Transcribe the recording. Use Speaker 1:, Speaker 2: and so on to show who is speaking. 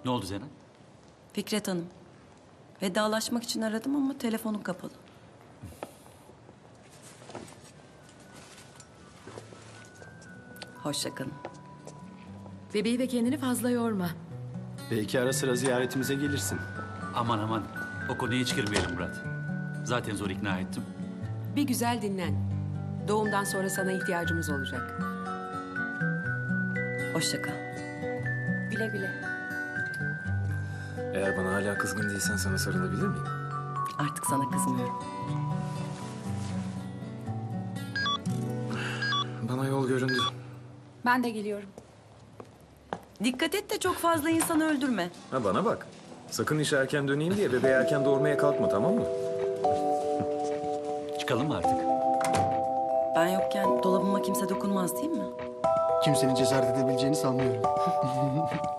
Speaker 1: Ne oldu Zeynep?
Speaker 2: Fikret Hanım. Vedalaşmak için aradım ama telefonum kapalı. Hoşça kalın.
Speaker 3: Bebeği ve kendini fazla yorma.
Speaker 4: Belki ara sıra ziyaretimize gelirsin.
Speaker 1: Aman aman. O konuya hiç girmeyelim Murat. Zaten zor ikna ettim.
Speaker 3: Bir güzel dinlen. Doğumdan sonra sana ihtiyacımız olacak.
Speaker 2: Hoşça kal.
Speaker 3: Güle güle.
Speaker 4: Eğer bana hala kızgın değilsen sana sarılabilir miyim?
Speaker 2: Artık sana kızmıyorum.
Speaker 4: Bana yol göründü.
Speaker 5: Ben de geliyorum.
Speaker 2: Dikkat et de çok fazla insanı öldürme.
Speaker 4: Ha bana bak. Sakın işe erken döneyim diye bebeği erken doğurmaya kalkma, tamam mı?
Speaker 1: Çıkalım mı artık?
Speaker 2: Ben yokken dolabıma kimse dokunmaz değil mi?
Speaker 6: Kimsenin cesaret edebileceğini sanmıyorum.